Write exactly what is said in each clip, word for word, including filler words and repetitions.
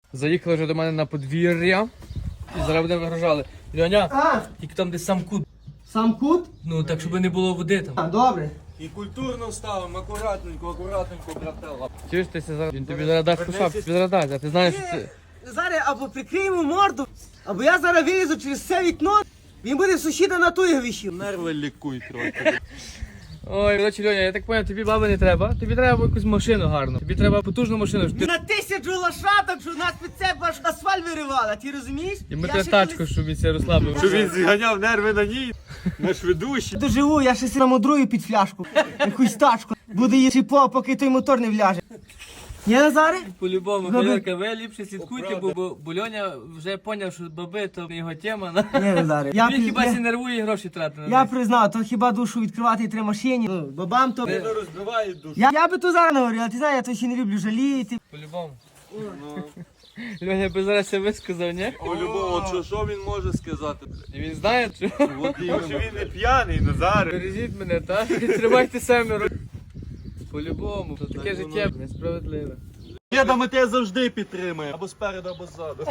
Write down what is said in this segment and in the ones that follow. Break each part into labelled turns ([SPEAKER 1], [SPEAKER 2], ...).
[SPEAKER 1] Заїхали вже до мене на подвір'я і зараз будемо вигружали. Льоня,
[SPEAKER 2] А,
[SPEAKER 1] тільки там десь сам кут.
[SPEAKER 2] сам кут?
[SPEAKER 1] Ну так, щоб не було води там.
[SPEAKER 2] А, добре.
[SPEAKER 3] І культурно ставимо, акуратненько, акуратненько, братела.
[SPEAKER 1] Чуєш, ти зараз, він тобі зараз дасть кусак, тобі зараз дасть, а ти знаєш, що ти...
[SPEAKER 2] Зараз або прикриємо морду, або я зараз вилізу через це вікно, він буде сусіда на ту вішів.
[SPEAKER 3] Нерви лікуй трохи.
[SPEAKER 1] Ой, коротше, Льоня, я так поняв, тобі баби не треба, тобі треба якусь машину гарну, тобі треба потужну машину, щоб ти...
[SPEAKER 2] На тисячу лошадок, що нас під себе аж асфальт виривала, ти розумієш?
[SPEAKER 1] І ми
[SPEAKER 2] Я
[SPEAKER 1] тебе
[SPEAKER 2] ще
[SPEAKER 1] тачку,
[SPEAKER 2] колись
[SPEAKER 1] щоб він себе розслабив.
[SPEAKER 3] Щоб він зганяв нерви на ній, на швидущі.
[SPEAKER 2] доживу, я ще си намудрую під фляжку, якусь тачку. Буде її по, поки той мотор не вляже. Ні, Назаре?
[SPEAKER 1] По-любому,
[SPEAKER 2] Ну,
[SPEAKER 1] Валерка, ви ліпше слідкуйте,
[SPEAKER 3] О,
[SPEAKER 1] бо, бо, бо Льоня вже поняв, що баби то не його тема. на-
[SPEAKER 2] Ні, Назаре. Я,
[SPEAKER 1] Він
[SPEAKER 2] при-
[SPEAKER 1] хіба
[SPEAKER 2] я,
[SPEAKER 1] сі нервує і гроші тратить на
[SPEAKER 2] я
[SPEAKER 1] них.
[SPEAKER 2] признав, то хіба душу відкривати і три машині. Ну, бабам то...
[SPEAKER 3] Не розбиває душу.
[SPEAKER 2] Я, я би то зараз не говорив, а ти знаєш, я то ще не люблю жаліти.
[SPEAKER 1] По-любому.
[SPEAKER 3] Ну,
[SPEAKER 1] Льоня би зараз все висказав, ні?
[SPEAKER 3] о, любого, що, що він може сказати?
[SPEAKER 1] І він знає, що...
[SPEAKER 3] От іменно. Що він не п'яний, Назар.
[SPEAKER 1] Бережіть мене, так? Тримайте семеро. По-любому. Це таке життя несправедливе.
[SPEAKER 3] Діда, ми тебе завжди підтримаємо. Або спереду, або ззаду.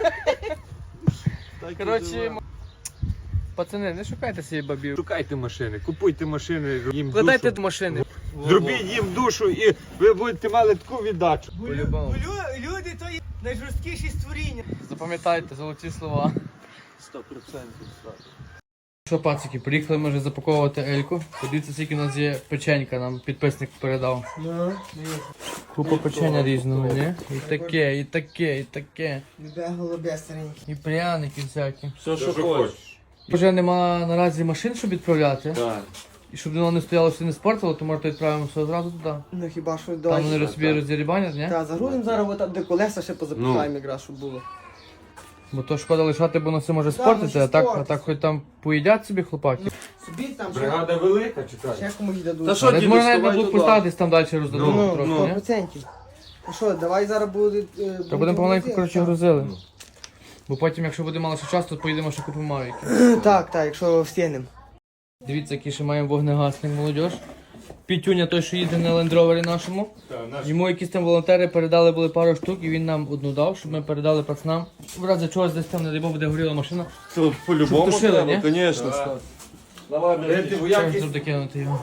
[SPEAKER 3] Так і
[SPEAKER 1] Коротше,
[SPEAKER 3] живе.
[SPEAKER 1] м- пацани, не шукайте собі бабів.
[SPEAKER 4] Шукайте машини, купуйте машини, їм
[SPEAKER 1] Вкладайте
[SPEAKER 4] душу.
[SPEAKER 1] до машини.
[SPEAKER 4] Зробіть їм душу і ви будете мали таку віддачу.
[SPEAKER 1] По-любому.
[SPEAKER 2] Лю- Люди то є найжорсткіші створіння.
[SPEAKER 1] Запам'ятайте золоті слова.
[SPEAKER 3] Сто процентів.
[SPEAKER 1] Що, пацики, приїхали ми вже запаковувати Ельку. Подивіться, скільки у нас є печенька, нам підписник передав.
[SPEAKER 2] Ну,
[SPEAKER 1] Купа печення різного, ні? І таке, і таке, і таке.
[SPEAKER 2] любе голубе стареньке.
[SPEAKER 1] І пряники всякі.
[SPEAKER 3] Все, що хочеш.
[SPEAKER 1] Вже нема наразі машин, щоб відправляти.
[SPEAKER 3] Так.
[SPEAKER 1] І щоб воно не стояло, все не спортило, то може відправимо все одразу туди.
[SPEAKER 2] Ну хіба що
[SPEAKER 1] Там
[SPEAKER 2] давай.
[SPEAKER 1] вони собі роздірібанять, ні?
[SPEAKER 2] Та, загрузимо зараз отам, де колеса ще позапихаємо якраз, щоб було.
[SPEAKER 1] Бо то шкода лишати, бо воно все може
[SPEAKER 2] Так,
[SPEAKER 1] спортити,
[SPEAKER 2] може
[SPEAKER 1] а так, а
[SPEAKER 2] спортити.
[SPEAKER 1] так хоч там поїдять собі хлопаки.
[SPEAKER 2] Собі там ще,
[SPEAKER 4] Бригада велика, чекай.
[SPEAKER 2] ще комусь дадуть.
[SPEAKER 3] Та що,
[SPEAKER 1] Але
[SPEAKER 3] діду,
[SPEAKER 1] можна навіть на
[SPEAKER 3] вставай
[SPEAKER 1] блокпостах
[SPEAKER 3] туди.
[SPEAKER 1] десь там далі роздадуть
[SPEAKER 2] Ну,
[SPEAKER 1] трохи,
[SPEAKER 2] сто
[SPEAKER 1] ні?
[SPEAKER 2] процентів. Ну що, давай зараз буде... е,
[SPEAKER 1] Та будемо помаленьку,
[SPEAKER 2] грузити,
[SPEAKER 1] коротше,
[SPEAKER 2] так.
[SPEAKER 1] грузили. Бо потім, якщо буде мало ще часу, то поїдемо ще купимо мавіки.
[SPEAKER 2] Так, так, якщо встигнемо.
[SPEAKER 1] Дивіться, який ще маємо вогнегасник, молодіж. Пітюня, той, що їде на лендровері нашому. Йому якісь там волонтери передали були пару штук, і він нам одну дав, щоб ми передали пацанам. В разі чогось десь там, не дай Бог, буде горіла машина.
[SPEAKER 3] Це по-любому
[SPEAKER 1] Щоб тушили,
[SPEAKER 3] треба,
[SPEAKER 1] ні?
[SPEAKER 3] звісно.
[SPEAKER 4] Давай, берете вояки.
[SPEAKER 1] Щоб докинути його.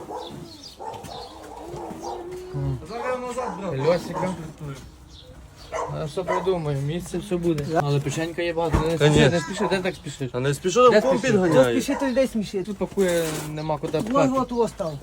[SPEAKER 3] Зараз назад, брат.
[SPEAKER 1] Льосика. А що придумаю, місце все буде. Але печенька є багато. Не
[SPEAKER 3] Конечно.
[SPEAKER 1] спіши, не спіши, де так спішиш?
[SPEAKER 3] А не спішу,
[SPEAKER 1] Де
[SPEAKER 3] там ком
[SPEAKER 1] спішиш?
[SPEAKER 2] Хто
[SPEAKER 3] підганяє.
[SPEAKER 2] спішить, то людей смішить.
[SPEAKER 1] Тут пакує, нема куди
[SPEAKER 2] Вот,
[SPEAKER 1] пхати.
[SPEAKER 2] вот, вот став.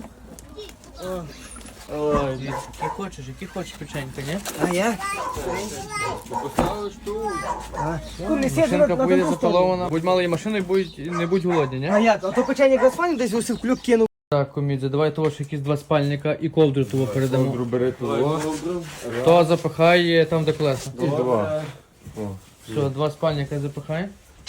[SPEAKER 3] Ой,
[SPEAKER 1] Які хочеш, які хочеш печенька, ні?
[SPEAKER 2] А я?
[SPEAKER 4] Поставиш тут.
[SPEAKER 2] А, ну, не сіди на,
[SPEAKER 1] Машинка
[SPEAKER 2] на
[SPEAKER 1] поїде
[SPEAKER 2] другу сторону.
[SPEAKER 1] запалована. Будь мали машину і будь, не будь голодні, ні?
[SPEAKER 2] А як? А то печення якраз фані десь ось в клюк кинув.
[SPEAKER 1] Так, комідзе, давай того, що якісь два спальника і ковдру того передамо.
[SPEAKER 4] Ковдру бери того.
[SPEAKER 1] То запихає там, де колеса.
[SPEAKER 4] І два.
[SPEAKER 1] Все, два спальника запихай.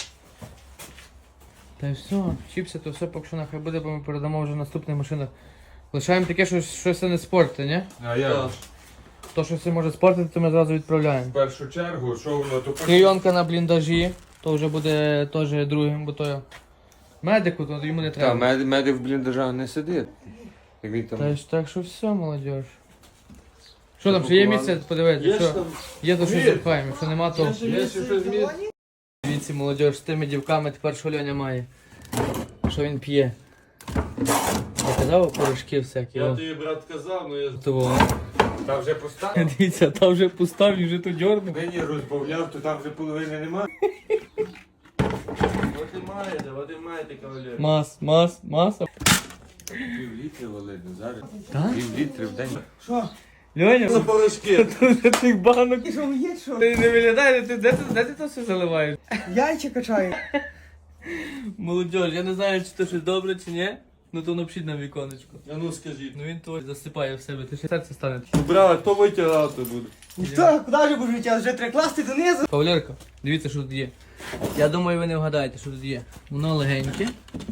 [SPEAKER 1] Та й все, чіпси, то все поки що нахай буде, бо ми передамо вже в наступних машинах. Лишаємо таке, що щось не спортить, ні?
[SPEAKER 4] А як?
[SPEAKER 1] То, що все може спортити, то ми зразу відправляємо.
[SPEAKER 4] В першу чергу, що воно то
[SPEAKER 1] Клейонка на бліндажі, то вже буде теж другим, бо то медику, то йому не
[SPEAKER 4] Та,
[SPEAKER 1] треба.
[SPEAKER 4] мед, медик в бліндажах не сидить. Як він
[SPEAKER 1] Та
[SPEAKER 4] там.
[SPEAKER 1] ж так що все, молодіж. Що там, ще є місце подивитися?
[SPEAKER 3] Є ж
[SPEAKER 1] Що?
[SPEAKER 3] там.
[SPEAKER 1] Є то, що
[SPEAKER 3] Є.
[SPEAKER 1] запхаємо, якщо нема, то...
[SPEAKER 3] Є ще щось місце.
[SPEAKER 1] Дивіться, молодіж, з тими дівками тепер що Льоня має. Що він п'є. Я казав порошки всякі.
[SPEAKER 3] Я
[SPEAKER 1] о.
[SPEAKER 3] тобі, брат, казав, ну я...
[SPEAKER 1] Того.
[SPEAKER 4] Та вже поставив.
[SPEAKER 1] Дивіться, там вже пустав і вже тут дьорнув.
[SPEAKER 4] Нині розбавляв, то там вже половини нема.
[SPEAKER 3] От і маєте, от і маєте, кавалер.
[SPEAKER 1] Мас, мас, маса.
[SPEAKER 4] Пів літри валить, зараз.
[SPEAKER 1] Так?
[SPEAKER 4] Пів літри в день.
[SPEAKER 2] Що?
[SPEAKER 1] Льоня,
[SPEAKER 3] На порошки.
[SPEAKER 1] тут вже тих банок.
[SPEAKER 2] Ти що, є що?
[SPEAKER 1] Ти не виглядає, ти, де, ти, де ти то все заливаєш?
[SPEAKER 2] Яйця качаю.
[SPEAKER 1] Молодіж, я не знаю, чи то щось добре, чи ні. Ну то напишіть на віконечко.
[SPEAKER 3] А ну скажіть.
[SPEAKER 1] Ну він то засипає в себе, ти ще серце стане.
[SPEAKER 3] Брат, хто витягати буде?
[SPEAKER 2] Ніхто, куди ж будеш витягати? Вже треба класти донизу.
[SPEAKER 1] Кавалерка, дивіться, що тут є. Я думаю, ви не вгадаєте, що тут є. Воно легеньке.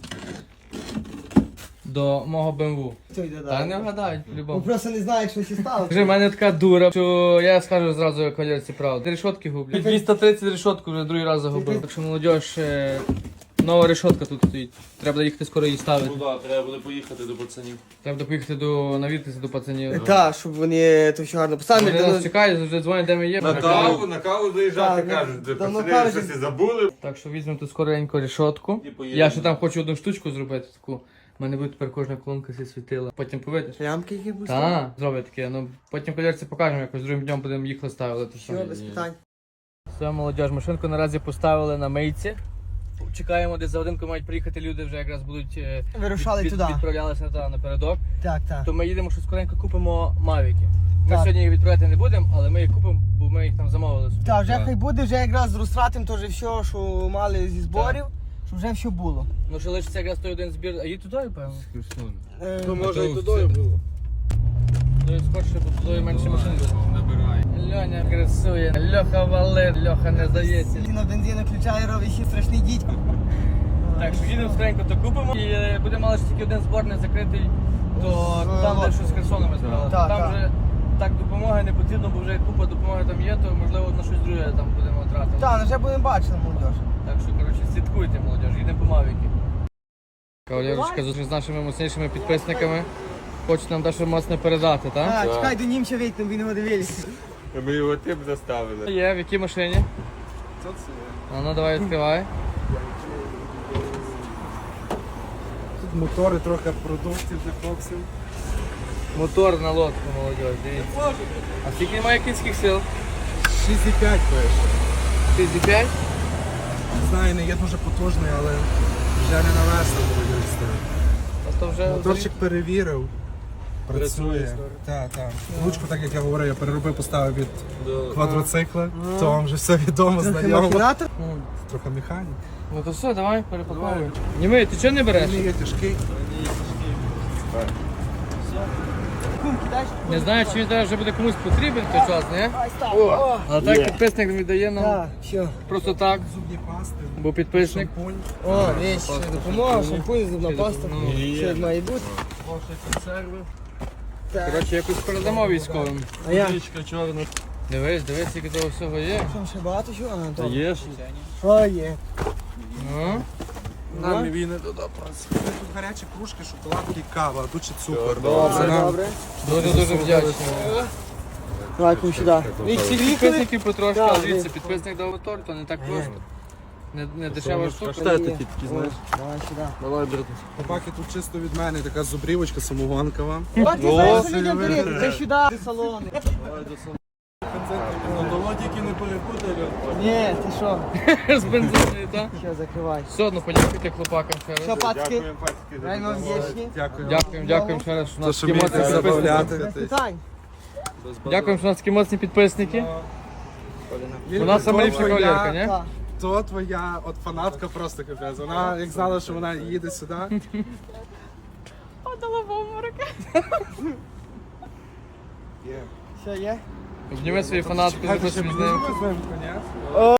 [SPEAKER 1] До мого БМВ.
[SPEAKER 2] Хто йде
[SPEAKER 1] Та не
[SPEAKER 2] далі?
[SPEAKER 1] вгадають,
[SPEAKER 2] Бо
[SPEAKER 1] по-любому.
[SPEAKER 2] просто не знають, що сі стало.
[SPEAKER 1] Вже в мене така дура, що я скажу зразу кавалерці правду. Три решотки гублю. двісті тридцять решотку вже другий раз загубив. Так що молодіж, е, Нова решетка тут стоїть. Треба буде їхати скоро її ставити.
[SPEAKER 3] Ну так, треба буде поїхати до пацанів.
[SPEAKER 1] Треба буде поїхати до навідатися до пацанів.
[SPEAKER 2] Так, щоб вони то все гарно поставили.
[SPEAKER 1] Вони нас чекають, вже дзвонять, де ми є.
[SPEAKER 4] На каву, на каву заїжджати,
[SPEAKER 2] Так,
[SPEAKER 4] кажуть, де
[SPEAKER 2] давно
[SPEAKER 4] пацани
[SPEAKER 2] кажуть.
[SPEAKER 4] щось і забули.
[SPEAKER 1] Так що візьмемо тут скоренько решетку.
[SPEAKER 3] І поїдемо.
[SPEAKER 1] Я ще там хочу одну штучку зробити таку. У мене буде тепер кожна колонка зі світила. Потім повидиш.
[SPEAKER 2] Лямки які будуть?
[SPEAKER 1] Так, зроблять таке. Ну потім колірці покажемо, якось другим днем будемо їх ставити.
[SPEAKER 2] Все, без питань.
[SPEAKER 1] Все, молодіж, машинку наразі поставили на мийці. Чекаємо, десь за годинку мають приїхати люди, вже якраз будуть е,
[SPEAKER 2] Вирушали
[SPEAKER 1] від-
[SPEAKER 2] туди.
[SPEAKER 1] відправлялися та, напередок.
[SPEAKER 2] Так, так.
[SPEAKER 1] То ми їдемо, що скоренько купимо мавіки. Ми
[SPEAKER 2] Так.
[SPEAKER 1] сьогодні їх відправляти не будемо, але ми їх купимо, бо ми їх там замовили.
[SPEAKER 2] Так, вже хай буде, вже якраз розтратимо теж все, що мали зі зборів, щоб вже все було.
[SPEAKER 1] Ну що лишиться якраз той один збір. А їдь туди, певно?
[SPEAKER 2] Е,
[SPEAKER 4] То може і туди було.
[SPEAKER 1] Туди скорше, бо туди менше машин буде.
[SPEAKER 4] Набирай.
[SPEAKER 1] Льоня красує, Льоха валить, Льоха не здається.
[SPEAKER 2] Ті на бензину включає, робить ще страшний дідько.
[SPEAKER 1] Так, що їдемо скоренько, то купимо. І е, буде мало ж тільки один збор не закритий, то
[SPEAKER 2] З
[SPEAKER 1] там де
[SPEAKER 2] лодкою.
[SPEAKER 1] щось з Херсоном ми збирали.
[SPEAKER 2] Так,
[SPEAKER 1] Там
[SPEAKER 2] так.
[SPEAKER 1] вже так допомоги не потрібно, бо вже купа допомоги там є, то можливо на щось друге там будемо тратити.
[SPEAKER 2] Так, ну вже будемо бачити, молодіж.
[SPEAKER 1] Так що, коротше, слідкуйте, молодіж, їдемо по Мавіки. Кавалерочка зустріч з нашими моцнішими підписниками. Хочуть нам дещо моцне передати, так?
[SPEAKER 2] Так, чекай, до німця вийти, він його дивилися.
[SPEAKER 4] Ми його тип заставили.
[SPEAKER 1] Є, в якій машині? А ну давай відкривай.
[SPEAKER 5] Тут мотори, трохи продуктів для хлопців.
[SPEAKER 1] Мотор на лодку, молодіж, дивіться. А скільки має кінських сил?
[SPEAKER 5] шість і п'ять пише.
[SPEAKER 1] шість п'ять?
[SPEAKER 5] Не знаю, не є дуже потужний, але вже не навесно буде їсти.
[SPEAKER 1] А то вже...
[SPEAKER 5] Моторчик перевірив. Працює. Так, так. Ручку, так як я говорив, я переробив, поставив від квадроцикла. То вам вже все відомо, знайомо.
[SPEAKER 2] Махінатор?
[SPEAKER 5] Трохи механік.
[SPEAKER 1] Ну то все, давай, перепаковуй. Німей, ти чого не береш?
[SPEAKER 5] Він є тяжкий.
[SPEAKER 2] Кум, кидаєш?
[SPEAKER 1] Не знаю, чи він зараз вже буде комусь потрібен в той час, ні?
[SPEAKER 2] Ай, став. О,
[SPEAKER 1] Але так підписник віддає нам
[SPEAKER 2] так, все.
[SPEAKER 1] просто так,
[SPEAKER 5] Зубні пасти,
[SPEAKER 1] бо підписник.
[SPEAKER 5] шампунь.
[SPEAKER 2] О, вещь, допомога, шампунь, зубна паста.
[SPEAKER 1] Ну,
[SPEAKER 2] Все як має бути.
[SPEAKER 1] консерви.
[SPEAKER 2] Так.
[SPEAKER 1] Коротше, якось передамо військовим.
[SPEAKER 2] А я?
[SPEAKER 3] чорна.
[SPEAKER 1] Дивись, дивись, скільки того всього є.
[SPEAKER 2] Що, ще багато чого? А, добре.
[SPEAKER 3] Є ж?
[SPEAKER 2] О, є.
[SPEAKER 1] Ну,
[SPEAKER 3] Нам і він не туди працює.
[SPEAKER 5] Тут гарячі кружки, шоколадки, кава, а тут ще цукор.
[SPEAKER 2] Добре,
[SPEAKER 5] Це нам
[SPEAKER 2] добре.
[SPEAKER 1] дуже дуже вдячний.
[SPEAKER 2] Давай, кум, сюди.
[SPEAKER 1] І всіх підписників потрошки,
[SPEAKER 2] Так,
[SPEAKER 1] але дивіться,
[SPEAKER 2] ви-
[SPEAKER 1] підписник дав торт, то не так просто. Не, не дешева штука.
[SPEAKER 2] Що такі такі, знаєш? Давай сюди.
[SPEAKER 3] Давай, брат.
[SPEAKER 5] Собаки тут чисто від мене, така зубрівочка самогонкова.
[SPEAKER 2] О, ти знаєш, що людям беруть? Ти сюди. Ти салони.
[SPEAKER 3] Ну, того тільки не перепутай.
[SPEAKER 2] Ні, ти що?
[SPEAKER 1] З бензиною, так?
[SPEAKER 2] Що, закривай.
[SPEAKER 1] Все одно подякуйте хлопакам ще
[SPEAKER 2] Що,
[SPEAKER 1] раз.
[SPEAKER 2] пацки?
[SPEAKER 4] Дякуємо, пацьки, за
[SPEAKER 2] Реально вдячні.
[SPEAKER 5] Дякую.
[SPEAKER 1] Дякуємо, дякуємо ще раз, що у
[SPEAKER 5] То,
[SPEAKER 1] нас
[SPEAKER 5] що
[SPEAKER 1] такі
[SPEAKER 5] вмієте
[SPEAKER 1] моцні підписники.
[SPEAKER 5] забавляти.
[SPEAKER 2] Без питань.
[SPEAKER 1] Дякуємо, що у нас такі моцні підписники. У нас саме ліпша
[SPEAKER 5] Твоя-
[SPEAKER 1] кавалерка, ні?
[SPEAKER 2] Так.
[SPEAKER 5] То твоя от фанатка просто капець. Вона як знала, що вона їде сюди.
[SPEAKER 2] Що є?
[SPEAKER 1] Обніми свою фанатку, запишемо з ним.
[SPEAKER 5] Візьмемо, ні?